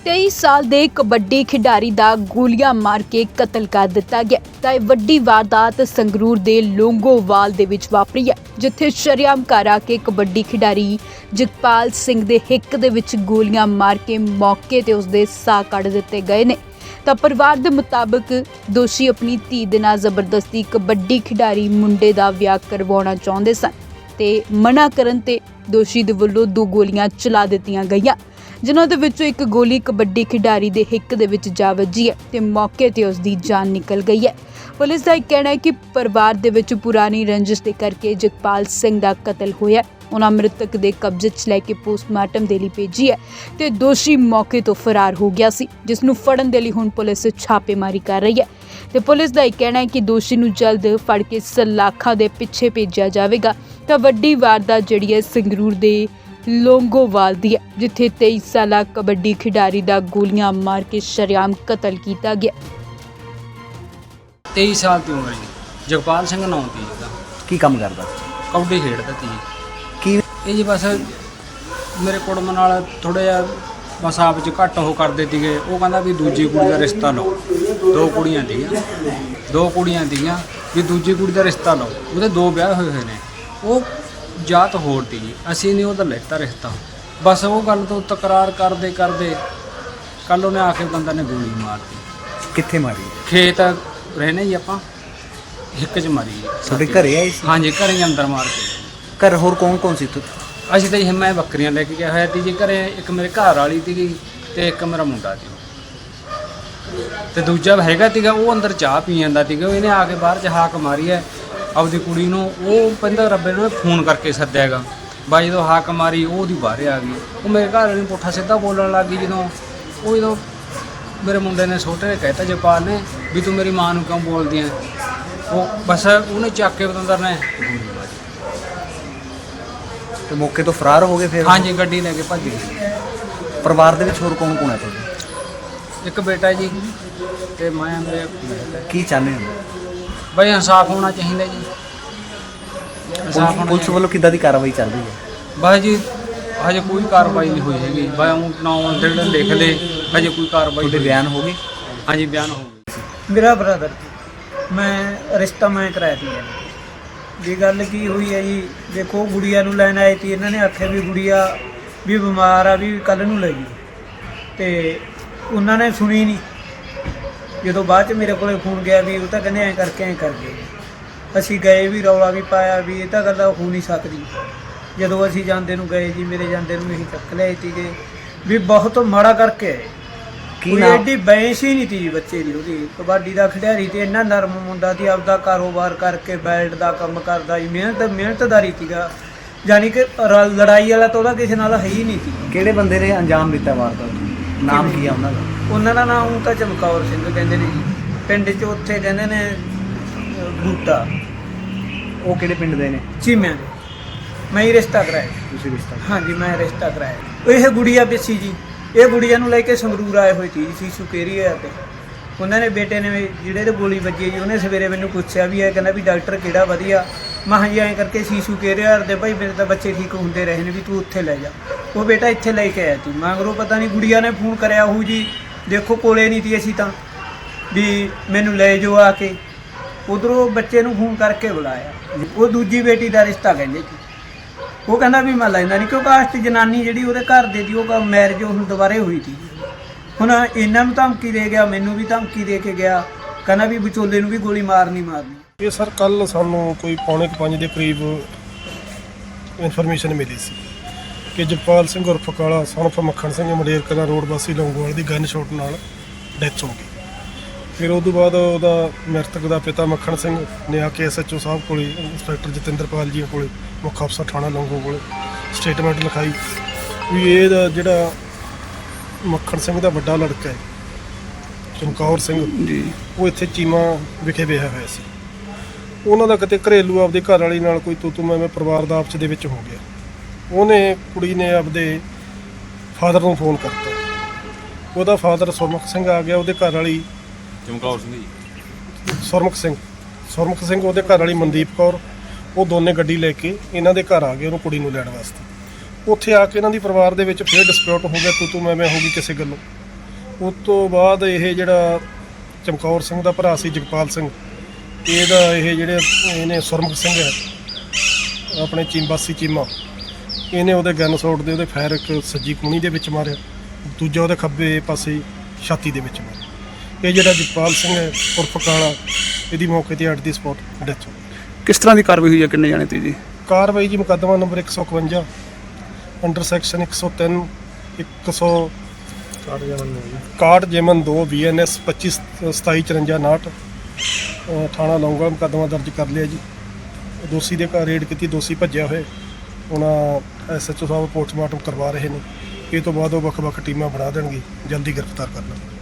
23 साल ਦੇ कबड्डी खिडारी ਦਾ ਗੋਲੀਆਂ ਮਾਰ ਕੇ ਕਤਲ ਕਰ ਦਿੱਤਾ ਗਿਆ। ਤਾਂ ਇਹ ਵੱਡੀ ਵਾਰਦਾਤ ਸੰਗਰੂਰ ਦੇ ਲੋਂਗੋਵਾਲ ਦੇ ਵਿੱਚ ਵਾਪਰੀ ਹੈ, ਜਿੱਥੇ ਸ਼ਰੇਆਮ ਘਰ ਆ ਕੇ ਕਬੱਡੀ ਖਿਡਾਰੀ ਜਗਪਾਲ ਸਿੰਘ ਦੇ ਹਿੱਕ ਦੇ ਵਿੱਚ ਗੋਲੀਆਂ ਮਾਰ ਕੇ ਮੌਕੇ ਤੇ ਉਸਦੇ ਸਾਹ ਕੱਢ ਦਿੱਤੇ ਗਏ ਨੇ। ਤਾਂ ਪਰਿਵਾਰ ਦੇ ਮੁਤਾਬਕ ਦੋਸ਼ੀ ਆਪਣੀ ਧੀ ਦੇ ਨਾਲ ਜ਼ਬਰਦਸਤੀ ਕਬੱਡੀ ਖਿਡਾਰੀ ਮੁੰਡੇ ਦਾ ਵਿਆਹ ਕਰਵਾਉਣਾ ਚਾਹੁੰਦੇ ਸਨ ਤੇ ਮਨਾ ਕਰਨ ਤੇ ਦੋਸ਼ੀ ਦੇ ਵੱਲੋਂ 2 ਗੋਲੀਆਂ ਚਲਾ ਦਿੱਤੀਆਂ ਗਈਆਂ, ਜਿਨ੍ਹਾਂ ਦੇ ਵਿੱਚੋਂ ਇੱਕ ਗੋਲੀ ਕਬੱਡੀ ਖਿਡਾਰੀ ਦੇ ਹਿੱਕ ਦੇ ਵਿੱਚ ਜਾ ਵੱਜੀ ਹੈ ਤੇ ਮੌਕੇ ਤੇ ਉਸ ਦੀ ਜਾਨ ਨਿਕਲ ਗਈ ਹੈ। ਪੁਲਿਸ ਦਾ ਇਹ ਕਹਿਣਾ ਹੈ ਕਿ ਪਰਿਵਾਰ ਦੇ ਵਿੱਚ ਪੁਰਾਣੀ ਰੰਜਿਸ਼ ਦੇ ਕਰਕੇ ਜਗਪਾਲ ਸਿੰਘ ਦਾ ਕਤਲ ਹੋਇਆ। ਉਹਨਾਂ ਮ੍ਰਿਤਕ ਦੇ ਕਬਜ਼ੇ 'ਚ ਲੈ ਕੇ ਪੋਸਟਮਾਰਟਮ ਦੇ ਲਈ ਭੇਜੀ ਹੈ ਤੇ ਦੋਸ਼ੀ ਮੌਕੇ ਤੋਂ ਫਰਾਰ ਹੋ ਗਿਆ ਸੀ, ਜਿਸ ਨੂੰ ਫੜਨ ਦੇ ਲਈ ਹੁਣ ਪੁਲਿਸ ਛਾਪੇਮਾਰੀ ਕਰ ਰਹੀ ਹੈ ਤੇ ਪੁਲਿਸ ਦਾ ਇਹ ਕਹਿਣਾ ਹੈ ਕਿ ਦੋਸ਼ੀ ਨੂੰ ਜਲਦ ਫੜ ਕੇ ਸਲਾਖਾਂ ਦੇ ਪਿੱਛੇ ਭੇਜਿਆ ਜਾਵੇਗਾ। ਤਾਂ ਵੱਡੀ ਵਾਰਦਾਤ ਜਿਹੜੀ ਹੈ ਸੰਗਰੂਰ ਦੇ ਲੋਂਗੋਵਾਲ ਦੀ ਹੈ, ਜਿੱਥੇ 23 ਸਾਲਾ ਕਬੱਡੀ ਖਿਡਾਰੀ ਦਾ ਗੋਲੀਆਂ ਮਾਰ ਕੇ ਸ਼ਰੇਆਮ ਕਤਲ ਕੀਤਾ ਗਿਆ। 23 ਸਾਲ ਦੀ ਉਮਰ ਜੀ, ਜਗਪਾਲ ਸਿੰਘ ਨਾਮ ਸੀ ਜਿਹਦਾ। ਕੀ ਕੰਮ ਕਰਦਾ? ਕਬੱਡੀ ਖੇਡਦਾ ਸੀ। ਕੀ ਇਹ ਜੀ ਬਸ ਮੇਰੇ ਕੁੜਮ ਨਾਲ ਥੋੜ੍ਹਾ ਜਿਹਾ ਬਸ ਆਪ 'ਚ ਘੱਟ ਉਹ ਕਰਦੇ ਸੀਗੇ। ਉਹ ਕਹਿੰਦਾ ਵੀ ਦੂਜੀ ਕੁੜੀ ਦਾ ਰਿਸ਼ਤਾ ਲਓ। 2 ਕੁੜੀਆਂ ਸੀਗੀਆਂ ਵੀ ਦੂਜੀ ਕੁੜੀ ਦਾ ਰਿਸ਼ਤਾ ਲਓ। ਉਹਦੇ 2 ਵਿਆਹ ਹੋਏ ਨੇ। ਉਹ ਜਾਤ ਹੋਰ ਤੀ ਜੀ, ਅਸੀਂ ਨਹੀਂ ਉਹਦਾ ਲੈਤਾ ਰਿਸ਼ਤਾ। ਬਸ ਉਹ ਗੱਲ ਤੋਂ ਤਕਰਾਰ ਕਰਦੇ ਕੱਲ ਉਹਨੇ ਆ ਕੇ ਬੰਦਾ ਨੇ ਗੋਲੀ ਮਾਰਤੀ। ਕਿੱਥੇ ਮਾਰੀ? ਖੇਤ ਰਹਿਣੇ ਜੀ ਆਪਾਂ, ਹਿੱਕ 'ਚ ਮਾਰੀ ਜੀ। ਤੁਹਾਡੇ ਘਰੇ ਆਏ ਸੀ? ਹਾਂਜੀ, ਘਰੇ ਹੀ ਅੰਦਰ ਮਾਰ ਕੇ। ਘਰ ਹੋਰ ਕੌਣ ਸੀ ਤੂੰ? ਅਸੀਂ ਤਾਂ ਜੀ ਮੈਂ ਬੱਕਰੀਆਂ ਲੈ ਕੇ ਗਿਆ ਹੋਇਆ ਸੀ ਜੀ ਘਰੇ। ਇੱਕ ਮੇਰੇ ਘਰ ਵਾਲੀ ਸੀਗੀ ਤੇ ਇੱਕ ਮੇਰਾ ਮੁੰਡਾ ਸੀ ਤੇ ਦੂਜਾ ਹੈਗਾ ਸੀਗਾ, ਉਹ ਅੰਦਰ ਚਾਹ ਪੀ ਜਾਂਦਾ ਸੀਗਾ। ਇਹਨੇ ਆ ਕੇ ਬਾਹਰ 'ਚ ਹਾਕ ਮਾਰੀ ਹੈ ਆਪਦੀ ਕੁੜੀ ਨੂੰ। ਉਹ ਕਹਿੰਦਾ ਰੱਬੇ ਨੂੰ ਫੋਨ ਕਰਕੇ ਸੱਦਿਆ ਹੈਗਾ। ਬਾਈ ਜਦੋਂ ਹਾਕ ਮਾਰੀ ਉਹਦੀ ਬਾਹਰ ਆ ਗਈ। ਉਹ ਮੇਰੇ ਘਰ ਵਾਲੀ ਨੂੰ ਪੁੱਠਾ ਸਿੱਧਾ ਬੋਲਣ ਲੱਗ ਗਈ। ਜਦੋਂ ਮੇਰੇ ਮੁੰਡੇ ਨੇ ਛੋਟੇ ਨੇ ਕਹਿਤਾ ਜਗਪਾਲ ਨੇ ਵੀ ਤੂੰ ਮੇਰੀ ਮਾਂ ਨੂੰ ਕਿਉਂ ਬੋਲਦੀ ਹੈ। ਉਹ ਬਸ ਉਹਨੇ ਚੱਕ ਕੇ ਬਤੰਦਰ ਨੇ ਤੇ ਮੌਕੇ ਤੋਂ ਫਰਾਰ ਹੋ ਗਏ ਫਿਰ? ਹਾਂਜੀ, ਗੱਡੀ ਲੈ ਕੇ ਭੱਜ ਗਈ। ਪਰਿਵਾਰ ਦੇ ਵਿੱਚ ਹੋਰ ਕੌਣ ਹੈ ਤੁਹਾਡੇ? ਇੱਕ ਬੇਟਾ ਜੀ ਤੇ ਮੈਂ ਮੇਰੇ। ਕੀ ਚਾਹੁੰਦੇ ਹੋ? ਬਈ ਇਨਸਾਫ ਹੋਣਾ ਚਾਹੀਦਾ ਜੀ। ਇਨਸਾਫ ਹੋਣਾ ਪੁਲਿਸ ਵੱਲੋਂ ਕਿੱਦਾਂ ਦੀ ਕਾਰਵਾਈ ਚੱਲ ਰਹੀ ਹੈ? ਬਸ ਜੀ ਹਜੇ ਕੋਈ ਕਾਰਵਾਈ ਨਹੀਂ ਹੋਈ ਹੈਗੀ। ਬਈ ਉਹ ਨਾਮ ਜਿਹੜੇ ਲਿਖ ਲਏ, ਹਜੇ ਕੋਈ ਕਾਰਵਾਈ। ਤੁਹਾਡੇ ਬਿਆਨ ਹੋ ਗਏ? ਹਾਂਜੀ, ਬਿਆਨ ਹੋ ਗਏ। ਮੇਰਾ ਬ੍ਰਦਰ ਮੈਂ ਰਿਸ਼ਤਾ ਕਰਾਇਆ ਸੀ ਜੀ। ਗੱਲ ਕੀ ਹੋਈ ਹੈ ਜੀ, ਦੇਖੋ ਗੁੜੀਆ ਨੂੰ ਲੈਣ ਆਏ ਸੀ। ਇਹਨਾਂ ਨੇ ਆਖਿਆ ਵੀ ਗੁੜੀਆ ਵੀ ਬਿਮਾਰ ਆ, ਵੀ ਕੱਲ੍ਹ ਨੂੰ ਲੈ ਜੀ। ਤੇ ਉਹਨਾਂ ਨੇ ਸੁਣੀ ਨਹੀਂ। ਜਦੋਂ ਬਾਅਦ 'ਚ ਮੇਰੇ ਕੋਲੇ ਫੋਨ ਗਿਆ ਵੀ ਉਹ ਤਾਂ ਕਹਿੰਦੇ ਐਂ ਕਰਕੇ ਅਸੀਂ ਗਏ ਵੀ, ਰੌਲਾ ਵੀ ਪਾਇਆ ਵੀ ਇਹ ਤਾਂ ਗੱਲ ਹੋ ਨਹੀਂ ਸਕਦੀ। ਜਦੋਂ ਅਸੀਂ ਜਾਂਦੇ ਨੂੰ ਗਏ ਜੀ, ਮੇਰੇ ਜਾਂਦੇ ਨੂੰ ਅਸੀਂ ਚੱਕ ਲਿਆਏ ਸੀਗੇ ਵੀ ਬਹੁਤ ਮਾੜਾ ਕਰਕੇ ਆਏ। ਕੋਈ ਐਡੀ ਬੈਂਸ ਹੀ ਨਹੀਂ ਤੀ ਜੀ ਬੱਚੇ ਦੀ। ਉਹਦੀ ਕਬੱਡੀ ਦਾ ਖਿਡਾਰੀ ਤੇ ਇੰਨਾ ਨਰਮ ਮੁੰਡਾ ਸੀ, ਆਪਦਾ ਕਾਰੋਬਾਰ ਕਰਕੇ ਬੈਲਟ ਦਾ ਕੰਮ ਕਰਦਾ ਜੀ। ਮਿਹਨਤਦਾਰੀ ਸੀਗਾ, ਯਾਨੀ ਕਿ ਲੜਾਈ ਵਾਲਾ ਤਾਂ ਉਹਦਾ ਕਿਸੇ ਨਾਲ ਹੈ ਹੀ ਨਹੀਂ ਸੀ। ਕਿਹੜੇ ਬੰਦੇ ਨੇ ਅੰਜਾਮ ਦਿੱਤਾ ਵਾਰਦਾਤ? ਨਾਮ ਕੀ ਆ ਉਹਨਾਂ ਦਾ? ਉਹਨਾਂ ਦਾ ਨਾਮ ਤਾਂ ਚਮਕੌਰ ਸਿੰਘ ਕਹਿੰਦੇ ਨੇ ਜੀ। ਪਿੰਡ 'ਚ ਉੱਥੇ ਕਹਿੰਦੇ ਨੇ ਬੂਟਾ। ਉਹ ਕਿਹੜੇ ਪਿੰਡ ਦੇ ਨੇ? ਚੀਮਿਆਂ ਦੇ। ਮੈਂ ਹੀ ਰਿਸ਼ਤਾ ਕਰਾਇਆ। ਤੁਸੀਂ ਰਿਸ਼ਤਾ? ਹਾਂਜੀ, ਮੈਂ ਰਿਸ਼ਤਾ ਕਰਾਇਆ। ਇਹ ਗੁੜੀਆ ਪਿੱਛੀ ਜੀ, ਇਹ ਗੁੜੀਆ ਨੂੰ ਲੈ ਕੇ ਸੰਗਰੂਰ ਆਏ ਹੋਏ ਸੀ ਸੀਸੂ ਕੇਰੀਆ ਤੇ। ਉਹਨਾਂ ਨੇ ਬੇਟੇ ਨੇ ਜਿਹੜੇ ਤੇ ਗੋਲੀ ਵੱਜੀ ਜੀ, ਉਹਨੇ ਸਵੇਰੇ ਮੈਨੂੰ ਪੁੱਛਿਆ ਵੀ ਇਹ ਕਹਿੰਦਾ ਵੀ ਡਾਕਟਰ ਕਿਹੜਾ ਵਧੀਆ। ਮੈਂ ਹਾਂਜੀ ਐਂ ਕਰਕੇ ਸੀਸੂ ਕੇਰੀਆ ਦੇ ਭਾਈ ਮੇਰੇ ਤਾਂ ਬੱਚੇ ਠੀਕ ਹੁੰਦੇ ਰਹੇ ਨੇ, ਵੀ ਤੂੰ ਉੱਥੇ ਲੈ ਜਾ। ਉਹ ਬੇਟਾ ਇੱਥੇ ਲੈ ਕੇ ਆਇਆ ਸੀ। ਮਗਰੋਂ ਪਤਾ ਨਹੀਂ ਗੁੜੀਆ ਨੇ ਫੋਨ ਕਰਿਆ ਉਹ ਜੀ, ਦੇਖੋ ਕੋਲੇ ਨਹੀਂ ਸੀ ਅਸੀਂ ਤਾਂ, ਵੀ ਮੈਨੂੰ ਲੈ ਜਾਓ ਆ ਕੇ। ਉਧਰੋਂ ਬੱਚੇ ਨੂੰ ਫੋਨ ਕਰਕੇ ਬੁਲਾਇਆ। ਉਹ ਦੂਜੀ ਬੇਟੀ ਦਾ ਰਿਸ਼ਤਾ ਕਹਿੰਦੇ ਸੀ। ਉਹ ਕਹਿੰਦਾ ਵੀ ਮੈਂ ਲੈਂਦਾ ਨਹੀਂ, ਕਿਉਂਕਿ ਆਸਤ ਜਨਾਨੀ ਜਿਹੜੀ ਉਹਦੇ ਘਰ ਦੇ ਦੀ ਉਹ ਮੈਰਿਜ ਹੁਣ ਦੁਬਾਰੇ ਹੋਈ ਸੀ। ਹੁਣ ਇਹਨਾਂ ਨੂੰ ਧਮਕੀ ਦੇ ਗਿਆ, ਮੈਨੂੰ ਵੀ ਧਮਕੀ ਦੇ ਕੇ ਗਿਆ, ਕਹਿੰਦਾ ਵੀ ਵਿਚੋਲੇ ਨੂੰ ਵੀ ਗੋਲੀ ਮਾਰਨੀ। ਇਹ ਸਰ ਕੱਲ੍ਹ ਸਾਨੂੰ ਕੋਈ 4:45 ਦੇ ਕਰੀਬ ਇਨਫੋਰਮੇਸ਼ਨ ਮਿਲੀ ਸੀ ਕਿ ਜਗਪਾਲ ਸਿੰਘ ਉਰਫ ਕਾਲਾ son of ਮੱਖਣ ਸਿੰਘ ਮੰਡੇਰ ਕਲਾਂ ਰੋਡ ਵਾਸੀ ਲੌਂਗੋਵਾਲ ਦੀ ਗਨ ਸ਼ਾਟ ਨਾਲ ਡੈਥ ਹੋ ਗਈ। ਫਿਰ ਉਸ ਤੋਂ ਬਾਅਦ ਉਹਦਾ ਮ੍ਰਿਤਕ ਦਾ ਪਿਤਾ ਮੱਖਣ ਸਿੰਘ ਨੇ ਆ ਕੇ SHO ਸਾਹਿਬ ਕੋਲ, ਇੰਸਪੈਕਟਰ ਜਤਿੰਦਰਪਾਲ ਜੀ ਕੋਲ, ਮੁੱਖ ਅਫਸਰ ਥਾਣਾ ਲੌਂਗੋ ਕੋਲ ਸਟੇਟਮੈਂਟ ਲਿਖਾਈ ਵੀ ਇਹਦਾ ਜਿਹੜਾ ਮੱਖਣ ਸਿੰਘ ਦਾ ਵੱਡਾ ਲੜਕਾ ਹੈ ਚਮਕੌਰ ਸਿੰਘ ਜੀ, ਉਹ ਇੱਥੇ ਚੀਮਾ ਵਿਖੇ ਵਿਆਹਿਆ ਹੋਇਆ ਸੀ। ਉਹਨਾਂ ਦਾ ਕਿਤੇ ਘਰੇਲੂ ਆਪਦੇ ਘਰ ਵਾਲੀ ਨਾਲ ਕੋਈ ਤੂੰ ਮੈਂ ਪਰਿਵਾਰ ਦਾ ਆਪਸ ਦੇ ਵਿੱਚ ਹੋ ਗਿਆ। ਉਹਨੇ ਕੁੜੀ ਨੇ ਆਪਦੇ ਫਾਦਰ ਨੂੰ ਫੋਨ ਕਰਤਾ। ਉਹਦਾ ਫਾਦਰ ਸੁਰਮੁਖ ਸਿੰਘ ਆ ਗਿਆ, ਉਹਦੇ ਘਰ ਵਾਲੀ ਚਮਕੌਰ ਸਿੰਘ ਜੀ, ਸੁਰਮੁਖ ਸਿੰਘ ਉਹਦੇ ਘਰ ਵਾਲੀ ਮਨਦੀਪ ਕੌਰ, ਉਹ ਦੋਨੇ ਗੱਡੀ ਲੈ ਕੇ ਇਹਨਾਂ ਦੇ ਘਰ ਆ ਗਏ ਉਹਨੂੰ ਕੁੜੀ ਨੂੰ ਲੈਣ ਵਾਸਤੇ। ਉੱਥੇ ਆ ਕੇ ਇਹਨਾਂ ਦੀ ਪਰਿਵਾਰ ਦੇ ਵਿੱਚ ਫਿਰ ਡਿਸਪਿਊਟ ਹੋ ਗਿਆ, ਤੂੰ ਮੈਂ ਹੋ ਗਈ ਕਿਸੇ ਗੱਲੋਂ। ਉਸ ਤੋਂ ਬਾਅਦ ਇਹ ਜਿਹੜਾ ਚਮਕੌਰ ਸਿੰਘ ਦਾ ਭਰਾ ਸੀ ਜਗਪਾਲ ਸਿੰਘ, ਇਹਦਾ ਇਹ ਜਿਹੜੇ ਇਹਨੇ ਸੁਰਮੁਖ ਸਿੰਘ ਹੈ ਆਪਣੇ ਚੀਮਬਾਸੀ ਚੀਮਾ, ਇਹਨੇ ਉਹਦੇ ਗਨ ਸ਼ਾਟ ਦੇ ਉਹਦੇ ਫਾਇਰ ਇੱਕ ਸੱਜੀ ਕੂਣੀ ਦੇ ਵਿੱਚ ਮਾਰਿਆ, ਦੂਜਾ ਉਹਦੇ ਖੱਬੇ ਪਾਸੇ ਛਾਤੀ ਦੇ ਵਿੱਚ ਮਾਰਿਆ। ਇਹ ਜਿਹੜਾ ਜਗਪਾਲ ਸਿੰਘ ਹੈ ਉਰਫ ਕਾਲਾ, ਇਹਦੀ ਮੌਕੇ ਤੇ ਅੱਡ ਦੀ ਸਪੌਟ ਡੈਥ ਹੋ ਗਈ। ਕਿਸ ਤਰ੍ਹਾਂ ਦੀ ਕਾਰਵਾਈ ਹੋਈ ਹੈ, ਕਿੰਨੇ ਜਾਣੇ ਤੇ ਜੀ? ਕਾਰਵਾਈ ਜੀ ਮੁਕੱਦਮਾ ਨੰਬਰ 151 ਅੰਡਰ ਸੈਕਸ਼ਨ 103 61 ਜੇਮਨ 2 BNS 25 2754 ਥਾਣਾ ਲੌਂਗਾ ਮੁਕੱਦਮਾ ਦਰਜ ਕਰ ਲਿਆ ਜੀ। ਦੋਸ਼ੀ ਦੇ ਘਰ ਰੇਡ ਕੀਤੀ, ਦੋਸ਼ੀ ਭੱਜਿਆ ਹੋਇਆ। ਉਹਨਾਂ SHO ਸਾਹਿਬ ਪੋਸਟਮਾਰਟਮ ਕਰਵਾ ਰਹੇ ਨੇ। ਇਹ ਤੋਂ ਬਾਅਦ ਉਹ ਵੱਖ-ਵੱਖ ਟੀਮਾਂ ਬਣਾ ਦੇਣਗੇ, ਜਲਦੀ ਗ੍ਰਿਫਤਾਰ ਕਰ ਲਾਂਗੇ।